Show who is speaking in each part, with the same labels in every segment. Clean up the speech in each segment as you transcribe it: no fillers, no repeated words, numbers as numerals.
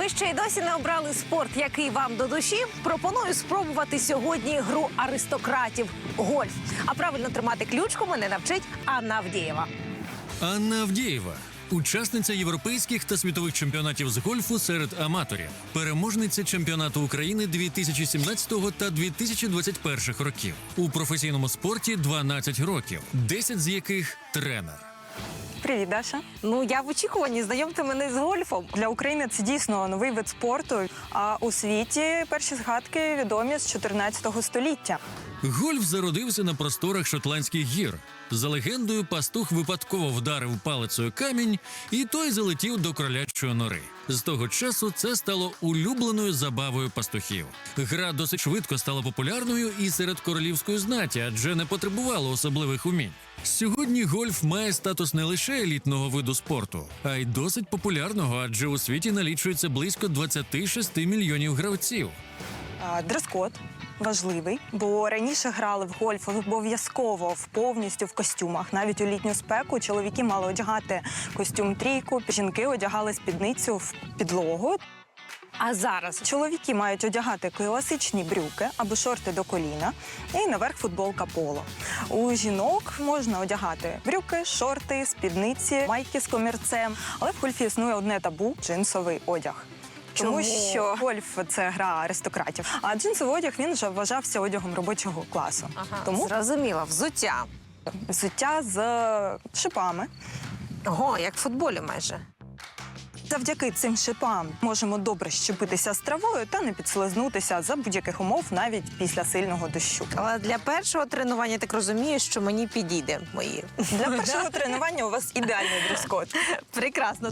Speaker 1: ви ще й досі не обрали спорт, який вам до душі, пропоную спробувати сьогодні гру аристократів – гольф. А правильно тримати ключку мене навчить Анна Авдієва.
Speaker 2: Анна Авдієва – учасниця європейських та світових чемпіонатів з гольфу серед аматорів, переможниця чемпіонату України 2017 та 2021 років. У професійному спорті 12 років, 10 з яких – тренер.
Speaker 3: Привіт, Даша.
Speaker 1: Ну, я в очікуванні, знайомте мене з гольфом.
Speaker 3: Для України це дійсно новий вид спорту, а у світі перші згадки відомі з 14 століття.
Speaker 2: Гольф зародився на просторах Шотландських гір. За легендою, пастух випадково вдарив палицею камінь, і той залетів до кролячої нори. З того часу це стало улюбленою забавою пастухів. Гра досить швидко стала популярною і серед королівської знаті, адже не потребувала особливих умінь. Сьогодні гольф має статус не лише елітного виду спорту, а й досить популярного, адже у світі налічується близько 26 мільйонів гравців.
Speaker 3: Дрес-код важливий, бо раніше грали в гольф обов'язково повністю в костюмах. Навіть у літню спеку чоловіки мали одягати костюм-трійку, жінки одягали спідницю в підлогу.
Speaker 1: А зараз
Speaker 3: Чоловіки мають одягати класичні брюки або шорти до коліна і наверх футболка поло. У жінок можна одягати брюки, шорти, спідниці, майки з комірцем. Але в гольфі існує одне табу – джинсовий одяг. Тому що гольф – це гра аристократів, а джинсовий одяг він вже вважався одягом робочого класу. Тому
Speaker 1: зрозуміло, взуття.
Speaker 3: взуття з шипами.
Speaker 1: Ого, як в футболі майже.
Speaker 3: Завдяки цим шипам можемо добре щепитися з травою та не підслизнутися за будь-яких умов, навіть після сильного дощу.
Speaker 1: Але для першого тренування, я так розумію, що мені підійде мої.
Speaker 3: Для першого тренування у вас ідеальний дрес-код.
Speaker 1: Прекрасно.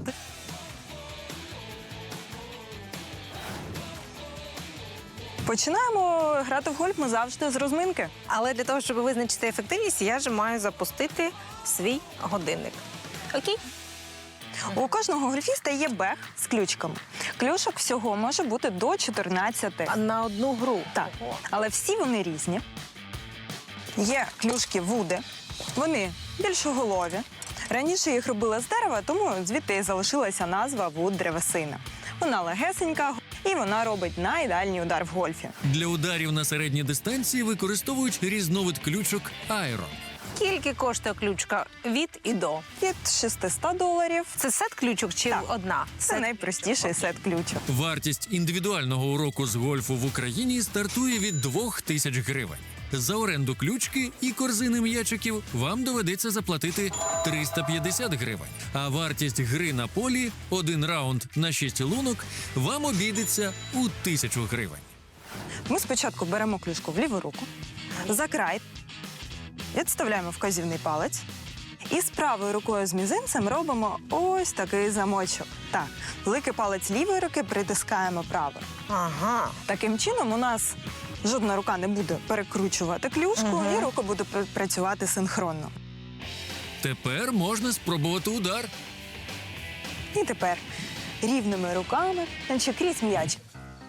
Speaker 3: Починаємо грати в гольф ми завжди з розминки.
Speaker 1: Але для того, щоб визначити ефективність, я ж маю запустити свій годинник. Окей?
Speaker 3: У кожного гольфіста є бег з ключками. Клюшок всього може бути до 14.
Speaker 1: На одну гру.
Speaker 3: Так, але всі вони різні. Є клюшки вуди, вони більшоголові. Раніше їх робили з дерева, тому звідти і залишилася назва вуд-древесина. Вона легесенька і вона робить найдальній удар в гольфі.
Speaker 2: Для ударів на середній дистанції використовують різновид ключок «Айрон».
Speaker 1: Скільки коштує ключка від і до?
Speaker 3: Від $600.
Speaker 1: Це сет ключок чи
Speaker 3: Так.
Speaker 1: одна?
Speaker 3: Це найпростіший сет ключок.
Speaker 2: Вартість індивідуального уроку з гольфу в Україні стартує від 2000 гривень. За оренду ключки і корзини м'ячиків вам доведеться заплатити 350 гривень. А вартість гри на полі – 1 раунд на 6 лунок – вам обійдеться у 1000 гривень.
Speaker 3: Ми спочатку беремо клюшку в ліву руку, за край, відставляємо вказівний палець і з правою рукою з мізинцем робимо ось такий замочок. Так, великий палець лівої руки притискаємо правою.
Speaker 1: Ага.
Speaker 3: Таким чином у нас жодна рука не буде перекручувати клюшку, і рука буде працювати синхронно.
Speaker 2: Тепер можна спробувати удар.
Speaker 3: І тепер рівними руками, значить крізь м'яч.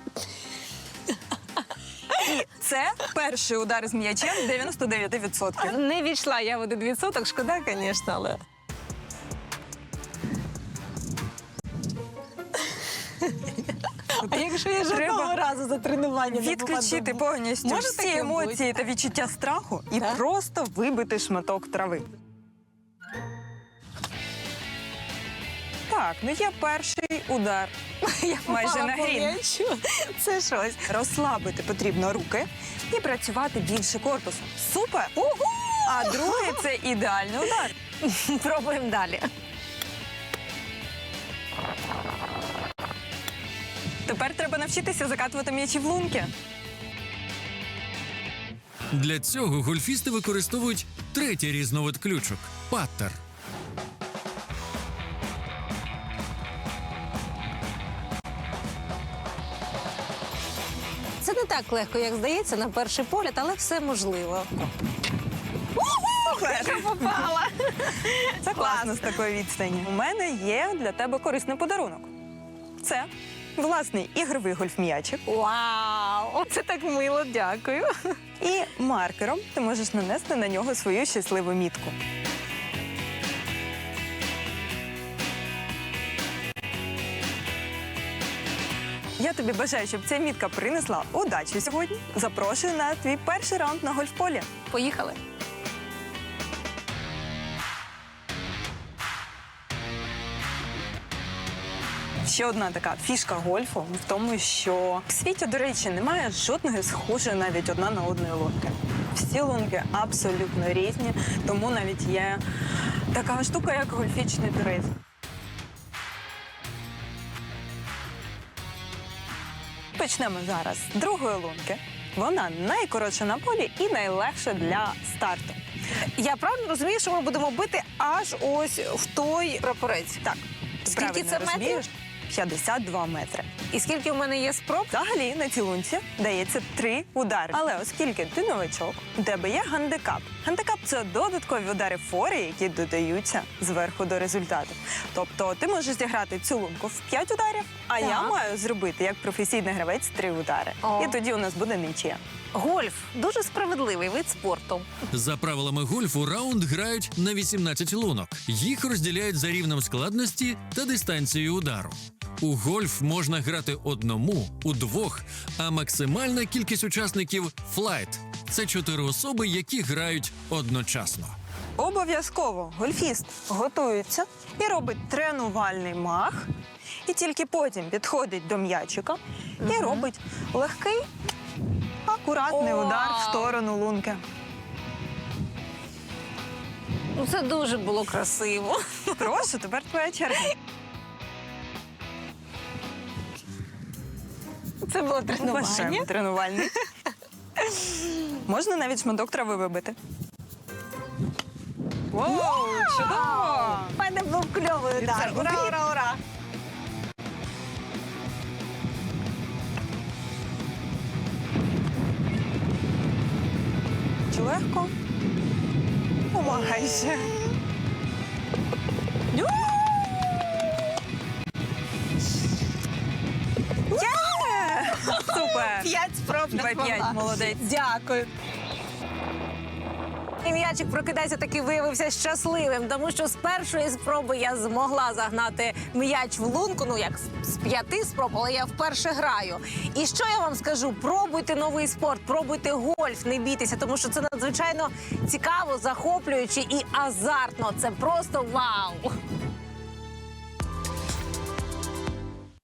Speaker 3: І це перший удар з м'ячем 99%.
Speaker 1: Не війшла я в 1%, шкода, звісно, але... А якщо я жодного разу за тренування не
Speaker 3: Відключити
Speaker 1: попаду?
Speaker 3: повністю
Speaker 1: Може
Speaker 3: всі
Speaker 1: таке
Speaker 3: емоції та відчуття страху і
Speaker 1: Так?
Speaker 3: просто вибити шматок трави. Так, ну є перший удар.
Speaker 1: Я
Speaker 3: Майже
Speaker 1: попала
Speaker 3: на
Speaker 1: по
Speaker 3: грін.
Speaker 1: м'ячу. Це щось.
Speaker 3: Розслабити потрібно руки і працювати більше корпусом. Супер! А другий – це ідеальний удар.
Speaker 1: Пробуємо далі.
Speaker 3: Тепер треба навчитися закатувати м'ячі в лунки.
Speaker 2: Для цього гольфісти використовують третій різновид ключок – паттер.
Speaker 1: Це не так легко, як здається, на перший погляд, але все можливо.
Speaker 3: Супер!
Speaker 1: Попала.
Speaker 3: Це класно з такої відстані. У мене є для тебе корисний подарунок. Це власний ігровий гольф-м'ячик.
Speaker 1: Вау! Це так мило, дякую.
Speaker 3: І маркером ти можеш нанести на нього свою щасливу мітку. Я тобі бажаю, щоб ця мітка принесла удачу сьогодні. Запрошую на твій перший раунд на гольф-полі.
Speaker 1: Поїхали.
Speaker 3: Ще одна така фішка гольфу в тому, що в світі, до речі, немає жодної схожої навіть одна на одної лунки. Всі лунки абсолютно різні, тому навіть є така штука, як гольфічний туризм. Почнемо зараз з другої лунки. Вона найкоротша на полі і найлегша для старту.
Speaker 1: Я правильно розумію, що ми будемо бити аж ось в той прапорець?
Speaker 3: Так,
Speaker 1: Скільки
Speaker 3: правильно
Speaker 1: це метрів?
Speaker 3: розумієш? 52 метри.
Speaker 1: І скільки у мене є спроб?
Speaker 3: Взагалі на цій лунці дається 3 удари. Але оскільки ти новачок, у тебе є гандикап. Гандикап – це додаткові удари фори, які додаються зверху до результату. Тобто ти можеш зіграти цю лунку в 5 ударів, а я
Speaker 1: Так.
Speaker 3: маю зробити як професійний гравець 3 удари.
Speaker 1: О.
Speaker 3: І тоді у нас буде нічия.
Speaker 1: Гольф дуже справедливий вид спорту.
Speaker 2: За правилами гольфу раунд грають на 18 лунок. Їх розділяють за рівнем складності та дистанцією удару. У гольф можна грати одному, удвох, а максимальна кількість учасників – флайт. Це 4 особи, які грають одночасно.
Speaker 3: Обов'язково гольфіст готується і робить тренувальний мах, і тільки потім підходить до м'ячика і робить легкий, акуратний
Speaker 1: Вау!
Speaker 3: удар в сторону лунки.
Speaker 1: Ну, це дуже було красиво.
Speaker 3: Прошу, тепер твоя черга.
Speaker 1: Це було
Speaker 3: Бажаємо
Speaker 1: тренування.
Speaker 3: тренувальний. Можна навіть шматок трави вибити. Воу, чудово!
Speaker 1: У мене був кльовий удар.
Speaker 3: це
Speaker 1: Ура,
Speaker 3: обід.
Speaker 1: ура, ура!
Speaker 3: Чи легко? Майже. Є! Супер!
Speaker 1: 5 спроб не
Speaker 3: 2-5,
Speaker 1: змогла.
Speaker 3: молодець.
Speaker 1: Дякую. І м'ячик прокидається таки виявився щасливим, тому що з першої спроби я змогла загнати м'яч в лунку, ну як з 5 спроб, але я вперше граю. І що я вам скажу? Пробуйте новий спорт, пробуйте гольф, не бійтеся, тому що це надзвичайно цікаво, захоплююче і азартно. Це просто вау!